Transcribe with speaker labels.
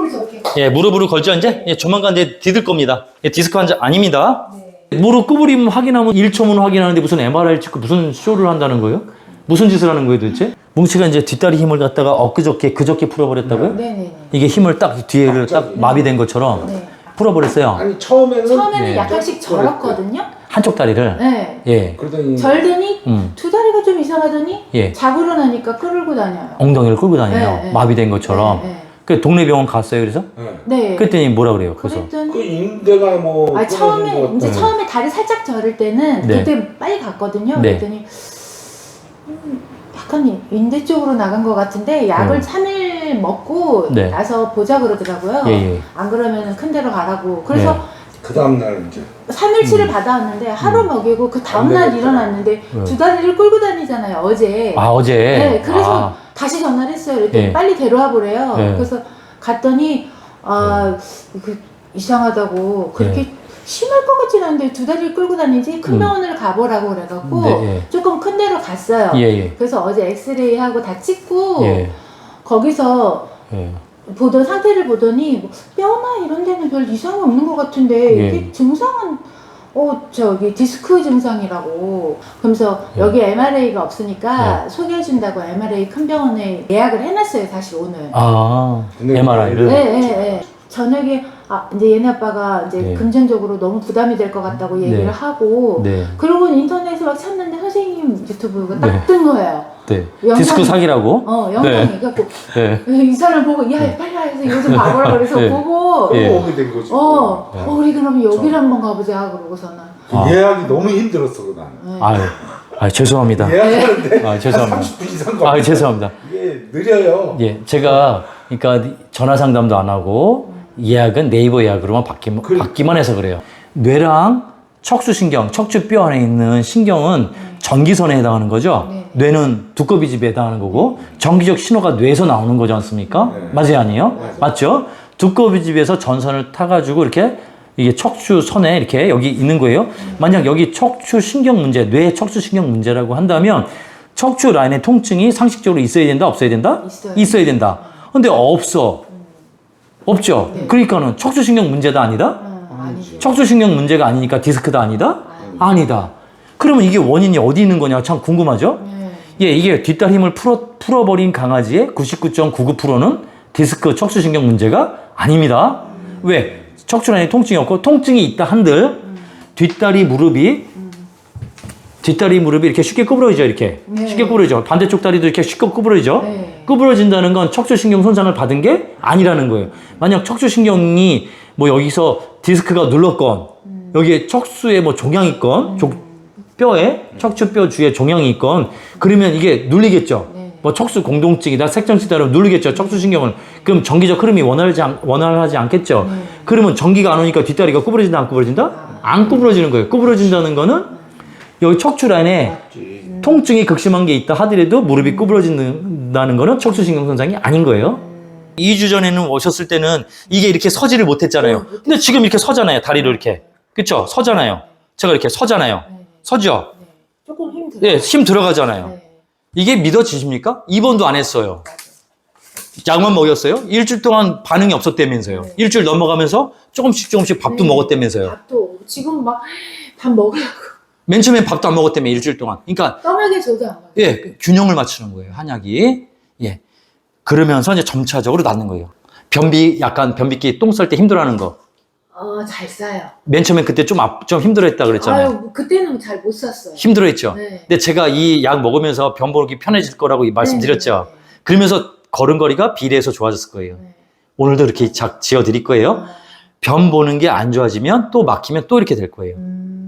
Speaker 1: 저렇게.
Speaker 2: 예, 무릎으로 걸죠, 이제? 예, 조만간 이제 디딜 겁니다. 예, 디스크 환자 아닙니다.
Speaker 1: 네.
Speaker 2: 무릎 구부림 확인하면 1초면 확인하는데 무슨 MRI를 찍고 무슨 쇼를 한다는 거예요? 무슨 짓을 하는 거예요, 도대체? 뭉치가 이제 뒷다리 힘을 갖다가 그저께 풀어버렸다고요?
Speaker 1: 네네네.
Speaker 2: 이게 힘을 딱 뒤에를 딱 마비된 것처럼
Speaker 1: 네.
Speaker 2: 풀어버렸어요.
Speaker 3: 아니 처음에는
Speaker 1: 처음에는
Speaker 2: 네.
Speaker 1: 약간씩 절었거든요.
Speaker 2: 한쪽 다리를.
Speaker 1: 네.
Speaker 2: 예.
Speaker 3: 그러더니
Speaker 1: 절더니
Speaker 2: 음.
Speaker 1: 두 다리가 좀 이상하더니
Speaker 2: 예.
Speaker 1: 자고 일어나니까 끌고 다녀요.
Speaker 2: 엉덩이를 끌고 다녀요.
Speaker 1: 네, 네.
Speaker 2: 마비된 것처럼.
Speaker 1: 네.
Speaker 2: 그 동네 병원 갔어요, 그래서?
Speaker 1: 네.
Speaker 2: 그랬더니 뭐라 그래요, 그래서?
Speaker 1: 그랬더니
Speaker 3: 그 인대가 뭐
Speaker 1: 아 처음에
Speaker 3: 끊어진 것
Speaker 1: 이제
Speaker 3: 같다.
Speaker 1: 처음에 다리 살짝 저릴 때는
Speaker 2: 네.
Speaker 1: 그때 빨리 갔거든요.
Speaker 2: 네.
Speaker 1: 그랬더니 약간 인대 쪽으로 나간 것 같은데 약을 3일 먹고
Speaker 2: 네.
Speaker 1: 나서 보자 그러더라고요.
Speaker 2: 예, 예.
Speaker 1: 안 그러면 큰 데로 가라고. 그래서
Speaker 2: 네.
Speaker 3: 그 다음날 이제
Speaker 1: 3일치를 받아왔는데 하루 먹이고 그 다음날
Speaker 3: 안 되겠다.
Speaker 1: 일어났는데
Speaker 2: 네.
Speaker 1: 두 다리를 끌고 다니잖아요 어제.
Speaker 2: 아, 어제?
Speaker 1: 네, 그래서
Speaker 2: 아,
Speaker 1: 다시 전화를 했어요. 그랬더니
Speaker 2: 네.
Speaker 1: 빨리 데려와 보래요.
Speaker 2: 네.
Speaker 1: 그래서 갔더니 그 이상하다고 그렇게
Speaker 2: 네.
Speaker 1: 심할 것 같진 않은데 두 다리를 끌고 다니지 큰 병원을 가보라고 그래갖고
Speaker 2: 네, 예.
Speaker 1: 조금 큰 데로 갔어요.
Speaker 2: 예, 예.
Speaker 1: 그래서 어제 엑스레이 하고 다 찍고
Speaker 2: 예.
Speaker 1: 거기서
Speaker 2: 예.
Speaker 1: 보던 상태를 보더니 뭐 뼈나 이런 데는 별 이상이 없는 것 같은데
Speaker 2: 예.
Speaker 1: 이게 증상은 저기 디스크 증상이라고. 그러면서
Speaker 2: 예.
Speaker 1: 여기 MRA가 없으니까 소개해준다고 MRA 큰 병원에 예약을 해놨어요 사실 오늘.
Speaker 2: 아,
Speaker 3: 근데
Speaker 2: MRI를?
Speaker 1: 네, 네, 네. 저녁에 이제 얘네 아빠가 이제
Speaker 2: 네.
Speaker 1: 금전적으로 너무 부담이 될 것 같다고 얘기를
Speaker 2: 네.
Speaker 1: 하고
Speaker 2: 네.
Speaker 1: 그러고 인터넷에 막 찾는데 선생님 유튜브가
Speaker 2: 네.
Speaker 1: 딱 뜬 거예요.
Speaker 2: 네.
Speaker 1: 영상이-
Speaker 2: 디스크 사기라고?
Speaker 1: 영상이.
Speaker 2: 네.
Speaker 1: 그래갖고
Speaker 2: 네.
Speaker 1: 이 사람 보고 야 빨리 와서 이거 좀 봐보라 그래서
Speaker 2: 네.
Speaker 1: 보고
Speaker 2: 예.
Speaker 3: 오게 된 거지.
Speaker 1: 우리 그럼 여기를 한번 가보자 그러고서는
Speaker 2: 아.
Speaker 3: 예약이 너무 힘들었어 그 나는.
Speaker 1: 네.
Speaker 2: 아유, 죄송합니다.
Speaker 3: 예약하는데
Speaker 2: 아, 죄송합니다.
Speaker 3: 한 30분 이상 걸려.
Speaker 2: 아, 죄송합니다.
Speaker 3: 이게 느려요.
Speaker 2: 예, 제가, 그러니까 전화 상담도 안 하고 예약은 네이버 예약으로만 받기만 해서 그래요. 뇌랑 척수신경, 척추뼈 안에 있는 신경은 전기선에 해당하는 거죠.
Speaker 1: 네.
Speaker 2: 뇌는 두꺼비집에 해당하는 거고 전기적 신호가 뇌에서 나오는 거지 않습니까?
Speaker 3: 네.
Speaker 2: 맞아요, 아니에요?
Speaker 3: 맞아요.
Speaker 2: 맞죠? 두꺼비집에서 전선을 타가지고 이렇게 이게 척추선에 이렇게 여기 있는 거예요. 만약 여기 척추신경 문제, 뇌 척추신경 문제라고 한다면 척추 라인의 통증이 상식적으로 있어야 된다, 없어야 된다?
Speaker 1: 있어요.
Speaker 2: 있어야 된다. 근데 없어. 없죠.
Speaker 1: 네.
Speaker 2: 그러니까는 척추신경 문제다 아니다?
Speaker 1: 아니지.
Speaker 2: 척추신경 문제가 아니니까 디스크다 아니다? 아니다. 그러면 이게 원인이 어디 있는 거냐 참 궁금하죠?
Speaker 1: 네.
Speaker 2: 예, 이게 뒷다리 힘을 풀어버린 강아지의 99.99%는 디스크 척추신경 문제가 아닙니다. 왜? 척추 라인에 통증이 없고 통증이 있다 한들 뒷다리 무릎이 이렇게 쉽게 구부러지죠, 이렇게.
Speaker 1: 네.
Speaker 2: 쉽게 구부러지죠. 반대쪽 다리도 이렇게 쉽게 구부러지죠.
Speaker 1: 네.
Speaker 2: 구부러진다는 건 척추신경 손상을 받은 게 아니라는 거예요. 만약 척추신경이 뭐 여기서 디스크가 눌렀건, 여기에 척수에 뭐 종양이 있건, 뼈에, 척추뼈 주위에 종양이 있건, 그러면 이게 눌리겠죠.
Speaker 1: 네.
Speaker 2: 뭐 척수 공동증이다, 색정치다, 그러면 눌리겠죠, 척추신경을. 그럼 전기적 흐름이 원활하지 않겠죠. 그러면 전기가 안 오니까 뒷다리가 구부러진다, 안 구부러진다? 안 구부러지는 거예요. 구부러진다는 거는 여기 척추 라인에 통증이 극심한 게 있다 하더라도 무릎이 구부러진다는 거는 척추신경 손상이 아닌 거예요. 2주 전에는 오셨을 때는 이게 이렇게 서지를 못했잖아요. 근데 지금 이렇게 서잖아요. 다리로 이렇게. 그쵸? 서잖아요. 제가 이렇게 서잖아요. 서죠?
Speaker 1: 네. 조금 힘들어요.
Speaker 2: 예, 힘 들어가잖아요.
Speaker 1: 네.
Speaker 2: 이게 믿어지십니까? 입원도 안 했어요. 약만 먹였어요? 일주일 동안 반응이 없었다면서요.
Speaker 1: 네.
Speaker 2: 일주일 넘어가면서 조금씩 밥도
Speaker 1: 네.
Speaker 2: 먹었다면서요.
Speaker 1: 밥도 지금 막 밥 먹으려고
Speaker 2: 맨 처음엔 밥도 안 먹었다며 일주일 동안. 그러니까
Speaker 1: 떠나게 줘도 안 먹어요.
Speaker 2: 예, 균형을 맞추는 거예요, 한약이. 예. 그러면서 이제 점차적으로 낫는 거예요. 약간 변비기 똥 쌀 때 힘들어하는 거.
Speaker 1: 잘 싸요.
Speaker 2: 맨 처음엔 그때 좀 힘들어했다 그랬잖아요.
Speaker 1: 그때는 잘 못 쌌어요.
Speaker 2: 힘들어했죠.
Speaker 1: 네.
Speaker 2: 근데 제가 이 약 먹으면서 변 보기 편해질 거라고 말씀드렸죠.
Speaker 1: 네.
Speaker 2: 그러면서 걸음걸이가 비례해서 좋아졌을 거예요.
Speaker 1: 네.
Speaker 2: 오늘도 이렇게 지어드릴 거예요. 변 보는 게 안 좋아지면 또 막히면 또 이렇게 될 거예요.